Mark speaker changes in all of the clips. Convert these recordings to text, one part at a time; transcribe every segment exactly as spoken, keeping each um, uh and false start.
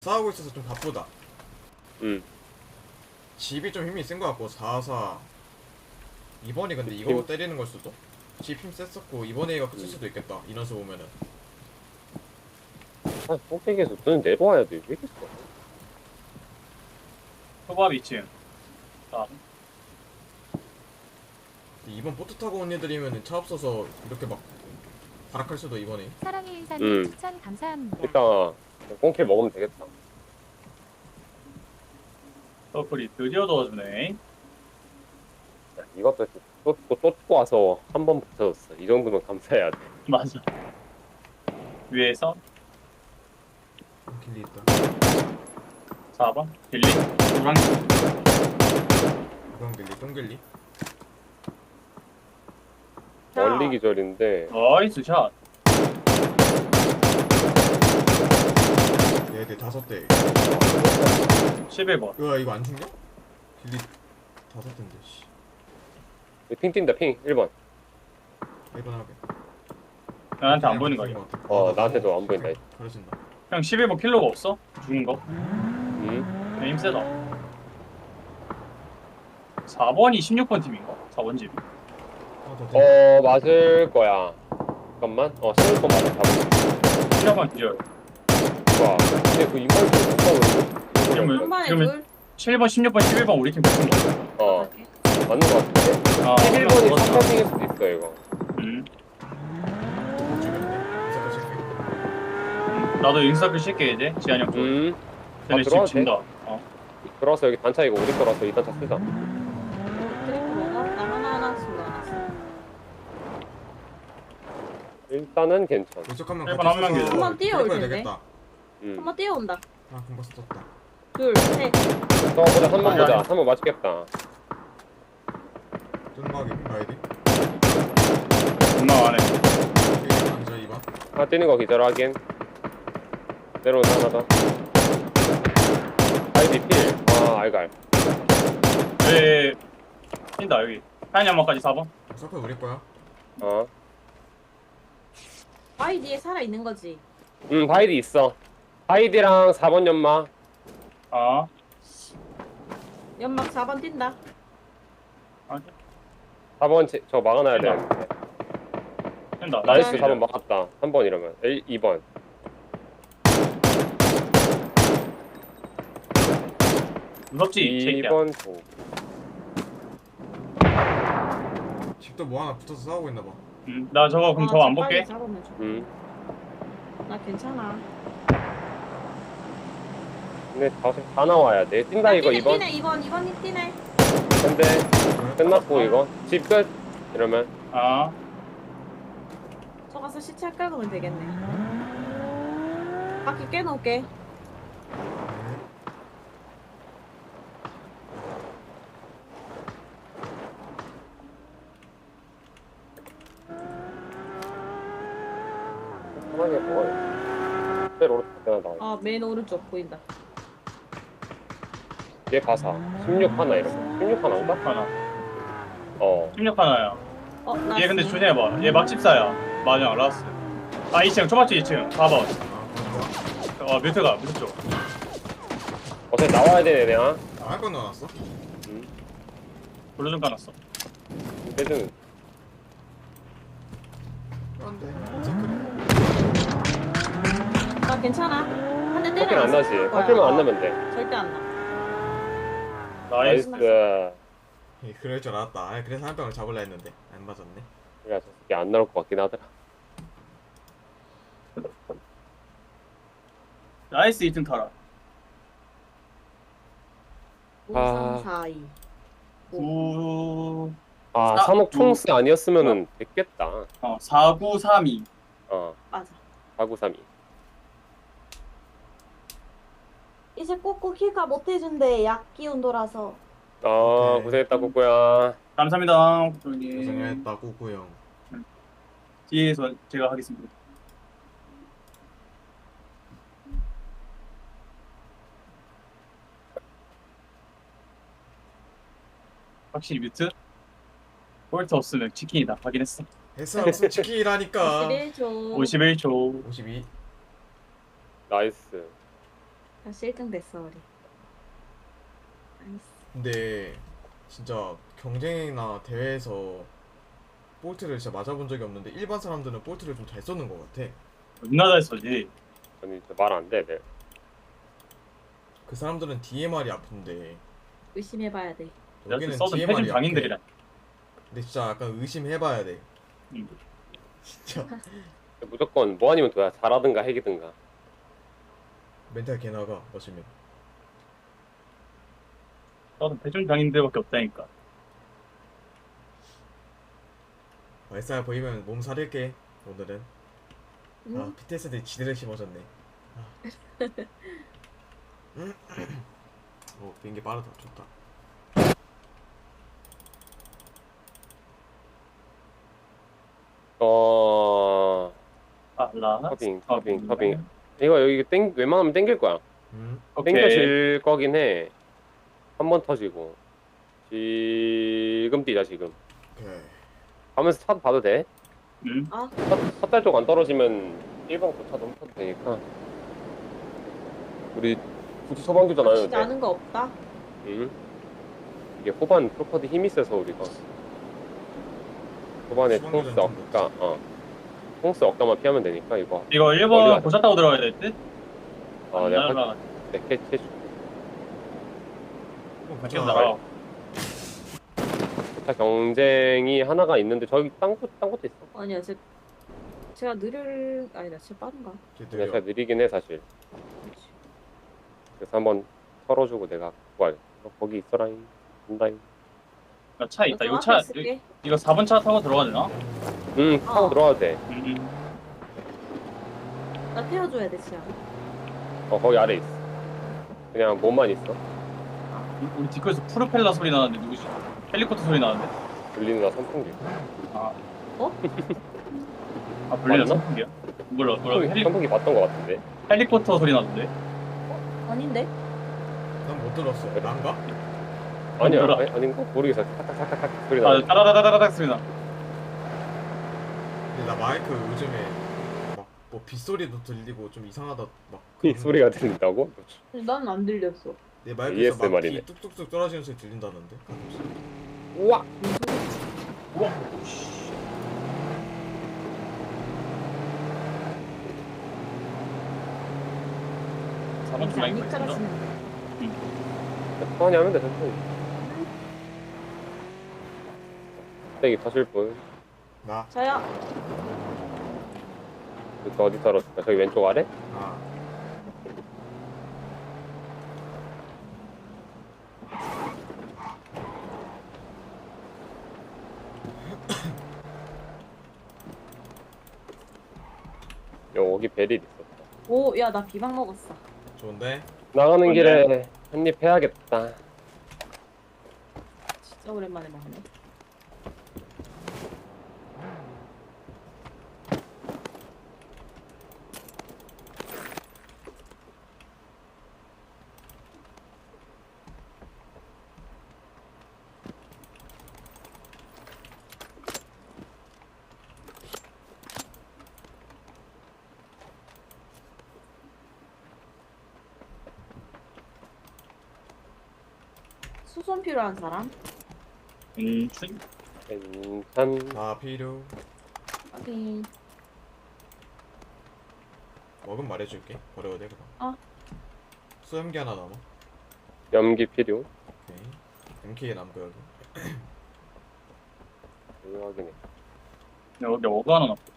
Speaker 1: 싸우고 있어서 좀 바쁘다.
Speaker 2: 응.
Speaker 1: 집이 좀 힘이 센 것 같고 사사 이번이 근데 이거
Speaker 2: 힘-
Speaker 1: 때리는 걸 수도? 집 힘 셌었고 이번 A가 끝일
Speaker 2: 음.
Speaker 1: 수도 있겠다. 인원수 보면은.
Speaker 2: 아, 꼭대기에서 눈 내려와야 돼. 왜 이렇게 써?
Speaker 3: 초밥 이 층. 아,
Speaker 1: 근데 이번 보트 타고 온 애들이면은 차 없어서 이렇게 막 발악할 수도 이번에.
Speaker 4: 사랑의 인사님
Speaker 2: 음.
Speaker 4: 추천 감사합니다.
Speaker 2: 일단 꽁킬 먹으면 되겠다.
Speaker 3: 서클이 드디어 도와주네.
Speaker 2: 야, 이것도 또 또 또 와서 한 번 붙어줬어. 이 정도면 감사해야 돼.
Speaker 3: 맞아. 위에서
Speaker 1: 길리 있다.
Speaker 3: 사 번 빌리 노랑
Speaker 1: 이건 길리, 똥 길리.
Speaker 2: 멀리 기절인데
Speaker 3: 나이스 샷.
Speaker 1: 얘들 다섯 대.
Speaker 3: 십일 번.
Speaker 1: 으아 이거 안 죽냐? 길리 다섯 대인데. 씨.
Speaker 2: 핑 뛴다. 핑 일 번.
Speaker 1: 이번 하게.
Speaker 3: 나한테 안 보이는 거 아니야?
Speaker 2: 어, 나한테도 안 보인다.
Speaker 1: 가려진다.
Speaker 3: 형 십일 번 킬로가 없어? 죽은 거?
Speaker 2: 응?
Speaker 3: 그냥 힘세다. 사 번이 십육 번 팀인가? 사 번 집.
Speaker 1: 하나 더 돼.
Speaker 2: 어, 맞을 거야. 잠깐만. 어, 십일 번 맞아. 잡을
Speaker 3: 십육 번 기절.
Speaker 2: 거야. 근데 그 이걸 좀 못하고
Speaker 3: 그러면
Speaker 5: 한 번에
Speaker 3: 그러면
Speaker 5: 둘.
Speaker 3: 칠 번, 십육 번, 십일 번 우리 팀 붙은 거.
Speaker 2: 어, 맞는 거 같은데?
Speaker 3: 아,
Speaker 2: 십일 번이 삼 번 핑일 수도 있어, 이거.
Speaker 3: 음.
Speaker 1: 못 죽였네. 이사카 칠게.
Speaker 3: 음. 나도 인서클 쉴게 이제. 지한이 형 쪽.
Speaker 2: 음.
Speaker 3: 쟤네
Speaker 2: 아,
Speaker 3: 집
Speaker 2: 들어와도
Speaker 3: 진다. 어.
Speaker 2: 들어와서 여기 단차 이거 우리 거라서 이 단차 쓰자.
Speaker 5: 드링크 먹어? 나 하나 하나씩 넣어놨어.
Speaker 2: 일단은 괜찮아.
Speaker 1: 이쪽하면
Speaker 3: 일본 한 명이죠.
Speaker 5: 한번 뛰어올 텐데.
Speaker 1: 되겠다.
Speaker 2: 음.
Speaker 5: 한번 뛰어온다.
Speaker 1: 아 금방 썼다.
Speaker 5: 둘, 셋.
Speaker 2: 어, 보자. 한 번 보자. 한 번 맞겠다.
Speaker 1: 뜬막이 가야 돼.
Speaker 3: 존나 안해.
Speaker 1: 앉아 이번.
Speaker 2: 하나 뛰는 거 기절 확인. 내려오는 하나 더. 아이디 필. 아, 알갈.
Speaker 3: 왜 뛴다 여기. 하얀 양말까지 사 번.
Speaker 1: 서클 우리 거야.
Speaker 2: 어.
Speaker 5: 아이디에 살아있는 거지.
Speaker 2: 응, 바이디 있어. 바이디랑 사 번 연마.
Speaker 3: 아.
Speaker 5: 연막 사 번 뛴다.
Speaker 3: 아,
Speaker 2: 사 번 제, 저 막아놔야
Speaker 3: 뛴다.
Speaker 2: 되는데.
Speaker 3: 뛴다.
Speaker 2: 나이스
Speaker 5: 네.
Speaker 2: 사 번 막았다. 삼 번 이러면. 이 번.
Speaker 3: 무섭지? 이 새끼야.
Speaker 2: 이 번 조.
Speaker 1: 집도 뭐 하나 붙어서 싸우고 있나 봐.
Speaker 3: 음, 나 저거 그럼
Speaker 5: 아,
Speaker 3: 저거 안
Speaker 5: 저 빨리
Speaker 3: 볼게.
Speaker 5: 잡으면 좋-
Speaker 2: 음.
Speaker 5: 나 괜찮아.
Speaker 2: 근데 다, 다 나와야 돼. 뛴다 이거
Speaker 5: 뛰네,
Speaker 2: 이 번.
Speaker 5: 뛰네, 이번, 이번이 뛰네.
Speaker 2: 근데 끝났고 이거. 집 끝. 이러면.
Speaker 3: 아.
Speaker 5: 저 가서 시체 깔으면 되겠네. 바퀴 깨놓을게.
Speaker 2: 편하게 먹어요. 때로 오른쪽 하나 나와.
Speaker 5: 아, 맨 오른쪽 보인다.
Speaker 2: 얘 가사. 십육 하나 이러면. 십육 하나인가?
Speaker 3: 하나.
Speaker 2: 어.
Speaker 3: 십육 하나야.
Speaker 5: 어, 나.
Speaker 3: 얘 근데 조심해봐. 얘 막집사야. 맞아, 라스. 아, 이 층. 초밥집 이 층. 사 번.
Speaker 1: 아
Speaker 3: 어, 뮤트가, 뮤트 쪽.
Speaker 2: 어차피 나와야 되네 내가.
Speaker 1: 좋아. 할건 넣어놨어?
Speaker 2: 음.
Speaker 3: 블루 좀 까놨어.
Speaker 2: 빼주는.
Speaker 1: 안돼. 서클.
Speaker 5: 나 괜찮아. 한 대 때려.
Speaker 2: 커플 안 나지. 커플만 안 나면 돼.
Speaker 5: 절대 안 나.
Speaker 3: 나이스.
Speaker 2: 나이스.
Speaker 1: 예, 그럴 줄 알았다. 아, 그래서 한 병을 잡으려 했는데 안 맞았네.
Speaker 2: 야, 저 새끼 안 나올 것 같긴 하더라.
Speaker 3: 나이스 이 등 타라.
Speaker 5: 오, 삼, 사, 이.
Speaker 3: 구,
Speaker 2: 아,
Speaker 3: 사-
Speaker 2: 삼억 총스 아니었으면은 됐겠다.
Speaker 3: 어, 사, 구, 삼, 이.
Speaker 2: 어,
Speaker 5: 맞아.
Speaker 2: 사구삼이.
Speaker 5: 이제 꼭꼭 킬까 못해준대. 약 기운 돌아서.
Speaker 2: 아,
Speaker 1: 오케이.
Speaker 2: 고생했다, 꼬꼬야.
Speaker 3: 감사합니다. 고객님.
Speaker 1: 고생했다 꾸꾸형.
Speaker 3: 뒤에서 제가 하겠습니다. 확실히 뮤트? 볼트 없으면 치킨이다. 확인했어.
Speaker 1: 햇살 없으면 치킨이라니까.
Speaker 5: 오십일 초.
Speaker 3: 오십일 초.
Speaker 1: 오십이.
Speaker 2: 나이스.
Speaker 5: 다시 일 등 됐어 우리. 나이스.
Speaker 1: 근데 진짜 경쟁이나 대회에서 볼트를 진짜 맞아본 적이 없는데 일반 사람들은 볼트를 좀 잘 쏘는 것 같아.
Speaker 3: 존나 잘 쏘지.
Speaker 2: 아니 말 안 돼. 네.
Speaker 1: 그 사람들은 디엠알이 아픈데
Speaker 5: 의심해봐야 돼.
Speaker 3: 내가
Speaker 1: 여기는
Speaker 3: 써도 패준
Speaker 1: 디엠알이 약해.
Speaker 3: 장인들이라.
Speaker 1: 근데 진짜 약간 의심해봐야 돼.
Speaker 3: 응.
Speaker 1: 진짜
Speaker 2: 무조건 뭐 아니면 도야. 잘하든가 핵이든가.
Speaker 1: 멘탈 개나가 마시면.
Speaker 3: 써도 패준 장인들밖에 없다니까.
Speaker 1: 말싸 보이면 몸 사릴게 오늘은.
Speaker 5: 응?
Speaker 1: 아 피티에스들이 지대를 심어졌네. 아. 오 비행기 빠르다 좋다.
Speaker 2: 어
Speaker 3: 알라.
Speaker 2: 터빙 터빙 터빙. 이거 여기 땡 웬만하면 땡길 거야.
Speaker 1: 음
Speaker 3: 오케이.
Speaker 2: 땡겨질 거긴 해. 한 번 터지고. 지금 뛰자 지금.
Speaker 1: 오케이.
Speaker 2: 가면서 차도 봐도 돼.
Speaker 3: 응.
Speaker 5: 아
Speaker 2: 삿달 쪽 안 떨어지면 일반 고차 너무 타도 되니까. 우리 굳이 소방교전 안 해도
Speaker 5: 혹시
Speaker 2: 돼.
Speaker 5: 나는 거 없다?
Speaker 2: 응. 이게 후반 프로퍼드 힘이 세서 우리가 후반에
Speaker 1: 소방교전
Speaker 2: 통스
Speaker 1: 좀
Speaker 2: 억가 어 통스 억가만 피하면 되니까 이거.
Speaker 3: 이거
Speaker 2: 멀리
Speaker 3: 일 번
Speaker 2: 가자.
Speaker 3: 고차 타고 들어가야 될 듯?
Speaker 2: 아
Speaker 3: 안
Speaker 2: 내가
Speaker 3: 날아가.
Speaker 2: 내 캐치
Speaker 1: 어,
Speaker 3: 밖에
Speaker 1: 괜찮아.
Speaker 3: 날아가.
Speaker 2: 고차 경쟁이 하나가 있는데 저기 딴곳딴 곳도 있어.
Speaker 5: 아니야 제 제가 느릴 아니다 제가 빠른가?
Speaker 1: 쟤
Speaker 2: 근데
Speaker 1: 느려.
Speaker 2: 제가 느리긴 해 사실.
Speaker 5: 그렇지.
Speaker 2: 그래서 한번 털어주고 내가 구할. 어, 거기 있어라잉. 온다잉.
Speaker 3: 야, 차 있다.
Speaker 5: 나
Speaker 3: 이거
Speaker 5: 앞에
Speaker 3: 차
Speaker 5: 있을게.
Speaker 3: 이거 사 번 차 타고 들어가야 되나?
Speaker 2: 응 타고
Speaker 5: 어.
Speaker 2: 들어와도 돼.
Speaker 3: 응.
Speaker 5: 나 태워줘야 돼 지금.
Speaker 2: 어 거기 아래 있어. 그냥 몸만 있어.
Speaker 3: 우리 뒷거에서 프로펠러 소리 나는데 누구지? 헬리콥터 소리 나는데?
Speaker 2: 들리는 나 선풍기.
Speaker 3: 아.
Speaker 5: 어?
Speaker 3: 아 불리나
Speaker 2: 맞나?
Speaker 3: 선풍기야? 몰라 몰라
Speaker 2: 선풍기,
Speaker 3: 헬리,
Speaker 2: 선풍기 봤던 것 같은데.
Speaker 3: 헬리콥터 소리 나는데?
Speaker 5: 아닌데?
Speaker 1: 난 못 들었어. 난가?
Speaker 2: 아니야
Speaker 3: 몰라.
Speaker 2: 아니, 아닌가? 모르겠어. 탁탁탁탁탁 소리
Speaker 3: 아
Speaker 2: 나.
Speaker 3: 따라다다다닥 소리 나.
Speaker 1: 근데 나 마이크 요즘에 막 뭐 빗소리도 들리고 좀 이상하다 막
Speaker 2: 이
Speaker 1: 그런-
Speaker 2: 소리가 들린다고?
Speaker 5: 난 안 들렸어.
Speaker 1: 내 마이크에서 막
Speaker 2: 에이에스엠알이네.
Speaker 1: 비 뚝뚝뚝 떨어지는 소리 들린다는데 가끔씩.
Speaker 2: 우와.
Speaker 3: 우와. 사 번
Speaker 5: 이제
Speaker 3: 줄
Speaker 5: 안
Speaker 3: 라인 있어.
Speaker 5: 이끌어지는
Speaker 2: 천천히 하면 돼 천천히. 땡이 터질 분.
Speaker 1: 나?
Speaker 5: 저요.
Speaker 2: 그 어디 떨어질까? 저기 왼쪽 아래?
Speaker 1: 아
Speaker 2: 여기 베릴 있었다.
Speaker 5: 오, 야, 나 비방 먹었어.
Speaker 1: 좋은데?
Speaker 2: 나가는
Speaker 3: 뭔데?
Speaker 2: 길에 한입 해야겠다.
Speaker 5: 진짜 오랜만에 먹네. 수선 필요한 사람?
Speaker 3: 음, 춘.
Speaker 2: 괜찮.
Speaker 1: 다 필요.
Speaker 5: 확인.
Speaker 1: 먹으면 말해줄게. 버려도 돼 그럼.
Speaker 5: 어.
Speaker 1: 수염기 하나 남아.
Speaker 2: 염기 필요.
Speaker 1: 오케이. 엠케이 남고 여기.
Speaker 2: 이거 확인해.
Speaker 3: 여기 어그 하나 남고.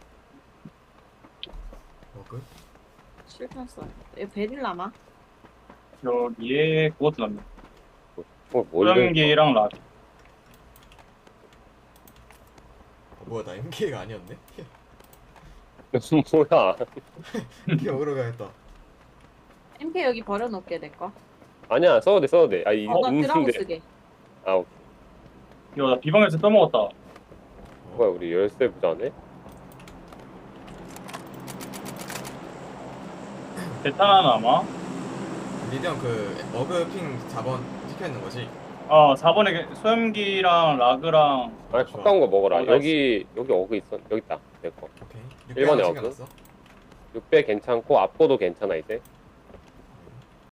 Speaker 1: 먹을?
Speaker 5: 실패했어. 얘 베릴 남아?
Speaker 3: 여기에 그것도 남네.
Speaker 2: 어, 뭘
Speaker 3: 소형기랑 라.
Speaker 1: 어, 뭐야 나 엠케이가 아니었네?
Speaker 2: 뭐야?
Speaker 1: 엠케이 먹으러 가야겠다.
Speaker 5: 엠케이 여기 버려놓을게, 내 거.
Speaker 2: 아니야 써도 돼 써도 돼. 아 이,
Speaker 5: 어, 나 드라고
Speaker 2: 있는데.
Speaker 5: 쓰게.
Speaker 2: 아 오케이.
Speaker 3: 이거 나 비방에서 떠먹었다.
Speaker 2: 뭐야 우리 열쇠 부자네?
Speaker 3: 대탄 하나 남아.
Speaker 1: 리디언 그 어그핑 사 번 찍혀있는 거지?
Speaker 3: 아, 사 번에 소형기랑 라그랑
Speaker 2: 아니
Speaker 1: 좋아.
Speaker 2: 가까운 거 먹어라.
Speaker 3: 어, 나
Speaker 2: 여기 여기 어그 있어. 여기 있다. 내 거.
Speaker 1: 오케이.
Speaker 2: 일 번에
Speaker 1: 육 배 하나
Speaker 2: 어그?
Speaker 1: 챙겨놨어?
Speaker 2: 육 배 괜찮고 앞보도 괜찮아 이제.